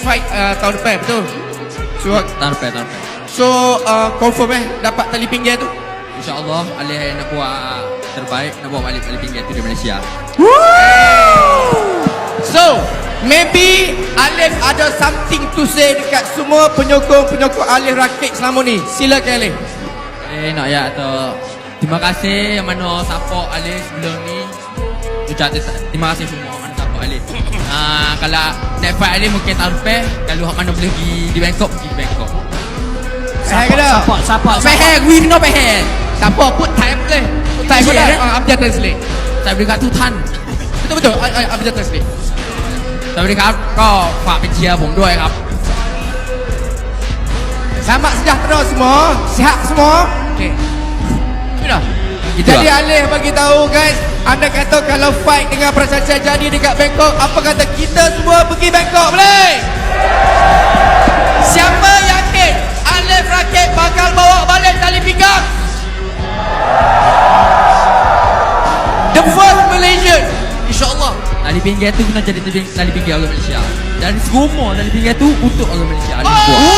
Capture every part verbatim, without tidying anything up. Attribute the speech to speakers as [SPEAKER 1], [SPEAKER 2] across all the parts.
[SPEAKER 1] fight uh, tahun depan, betul? So,
[SPEAKER 2] Tahun depan, tahun depan.
[SPEAKER 1] so uh, confirm eh dapat tali pinggir tu?
[SPEAKER 2] InsyaAllah Alif nak buat terbaik, nak bawa balik tali pinggir tu di Malaysia.
[SPEAKER 1] So, maybe Alif ada something to say dekat semua penyokong-penyokong Alif Rakit selama ni. Silakan Alif.
[SPEAKER 2] Eh nak ya atau terima kasih yang mana support Alif sebelum ni. Ucap terima kasih semua mana support Alif. Ah, kalau next fight Alif mungkin tahun depan, kalau hak mana boleh pergi di Bangkok, pergi di Bangkok.
[SPEAKER 1] Saya kena.
[SPEAKER 3] Support, support,
[SPEAKER 2] Peher, we no peher.
[SPEAKER 1] Siapa put time boleh. Put time boleh. Ah, Abjad translate.
[SPEAKER 2] Saya beri kat Tuhan.
[SPEAKER 1] Betul betul. Abjad translate.
[SPEAKER 2] สวัสดีครับก็ฝากเป็นเชียร์ผมด้วยครับ
[SPEAKER 1] Selamat sejahtera semua. Sihat semua. Okey. Sudah.
[SPEAKER 2] Gitu
[SPEAKER 1] Jadi
[SPEAKER 2] lah.
[SPEAKER 1] Alif bagi tahu guys, anda kata kalau fight dengan Prasaja jadi dekat Bangkok, apa kata kita semua pergi Bangkok boleh? Siapa yakin Alif Rakit bakal bawa balik tali pinggang? The first Malaysian, InsyaAllah.
[SPEAKER 2] Tali pinggir tu kena jadi tali, tali pinggir orang Malaysia. Dan semua tali pinggir tu untuk orang Malaysia. Ada
[SPEAKER 1] Oh!
[SPEAKER 2] buat.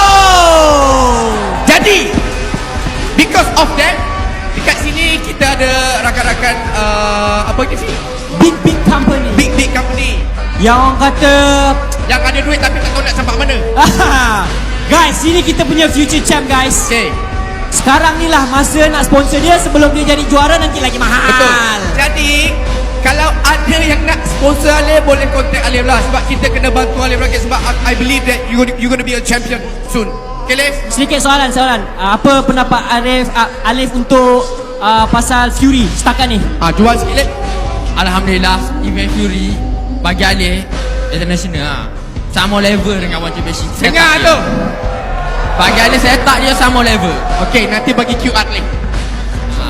[SPEAKER 1] Jadi because of that, dekat sini kita ada rakan-rakan uh, apa itu sih?
[SPEAKER 3] Big big company.
[SPEAKER 1] Big big company
[SPEAKER 3] Yang orang kata
[SPEAKER 1] yang ada duit tapi tak tahu nak sampai mana.
[SPEAKER 3] guys, ini kita punya future champ guys.
[SPEAKER 1] Okey.
[SPEAKER 3] Sekarang ni lah masa nak sponsor dia, sebelum dia jadi juara nanti lagi mahal.
[SPEAKER 1] Betul. Jadi kalau ada yang nak sponsor Alif, boleh contact Alif lah, sebab kita kena bantu Alif Rakit, sebab I believe that you gonna, you gonna be a champion soon. Okay Alif?
[SPEAKER 3] Sedikit soalan, soalan. Uh, apa pendapat Alif uh, Alif untuk uh, pasal Fury setakat ni?
[SPEAKER 1] Ah, jual sikit Alif.
[SPEAKER 2] Alhamdulillah event Fury bagi Alif international lah. Sama level dengan One Championship. Saya
[SPEAKER 1] Dengar
[SPEAKER 2] tak
[SPEAKER 1] tu.
[SPEAKER 2] dia. Bagi Alif saya tak dia sama level.
[SPEAKER 1] Okay, nanti bagi Q R Alif.
[SPEAKER 2] Ha.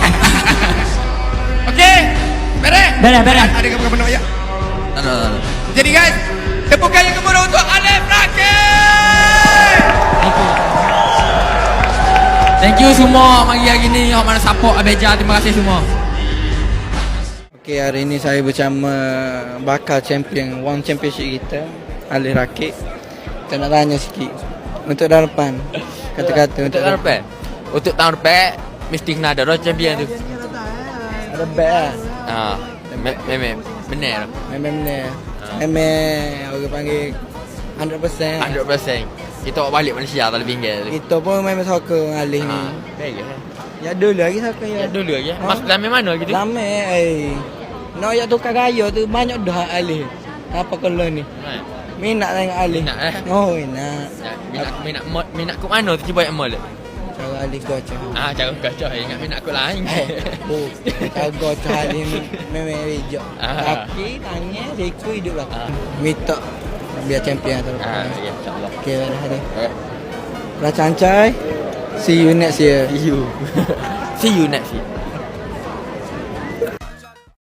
[SPEAKER 1] Okay? Beres?
[SPEAKER 3] Beres, beres.
[SPEAKER 1] Ada kamu nak ayat?
[SPEAKER 2] Tak ada, tak ada.
[SPEAKER 1] Jadi guys, tepukan yang gemuruh untuk Alif Rakit.
[SPEAKER 2] Thank you semua pagi hari ni yang mana support Abeja. Terima kasih semua.
[SPEAKER 4] Okey, hari ini saya bersama bakal champion One Championship kita, Alif Rakit. Kita nak tanya sikit untuk tahun depan. Kata-kata
[SPEAKER 2] Untuk tahun depan. Untuk tahun depan mesti kena ada orang champion tu.
[SPEAKER 4] Ada bet lah.
[SPEAKER 2] Ha. Memang benar.
[SPEAKER 4] Memang-memang Memang orang panggil one hundred percent.
[SPEAKER 2] one hundred percent. Kita bawa balik Malaysia tali pinggir tu.
[SPEAKER 4] Kita pun memang suka dengan Alif ni.
[SPEAKER 2] Ha. Baik ke?
[SPEAKER 4] Ya dulu lagi suka ya.
[SPEAKER 2] Ya dulu lagi.
[SPEAKER 4] Ha?
[SPEAKER 2] Mas dalam mana gitu?
[SPEAKER 4] Lama eh. Nak ya tukar gaya tu banyak dah Alif. Apa kalau ni?
[SPEAKER 2] Ha.
[SPEAKER 4] Minat tengok Alif.
[SPEAKER 2] Minat, eh?
[SPEAKER 4] Oh, minat.
[SPEAKER 2] Ya, minat minat mod, minat ke mana tu cuba yang mall.
[SPEAKER 4] Cara Alif gocah.
[SPEAKER 2] Ah, cara gacah ingat minat aku lain.
[SPEAKER 4] Oh, cara gocah Alif memang bijak.
[SPEAKER 2] Ah.
[SPEAKER 4] Kaki, tangan, siku hidup lah.
[SPEAKER 2] Ah.
[SPEAKER 4] Minta biar champion tu.
[SPEAKER 2] Ah, ya insya-Allah.
[SPEAKER 4] Okay, dah ada.
[SPEAKER 2] Eh,
[SPEAKER 4] Racancai. See you next year.
[SPEAKER 2] see you. See you next year.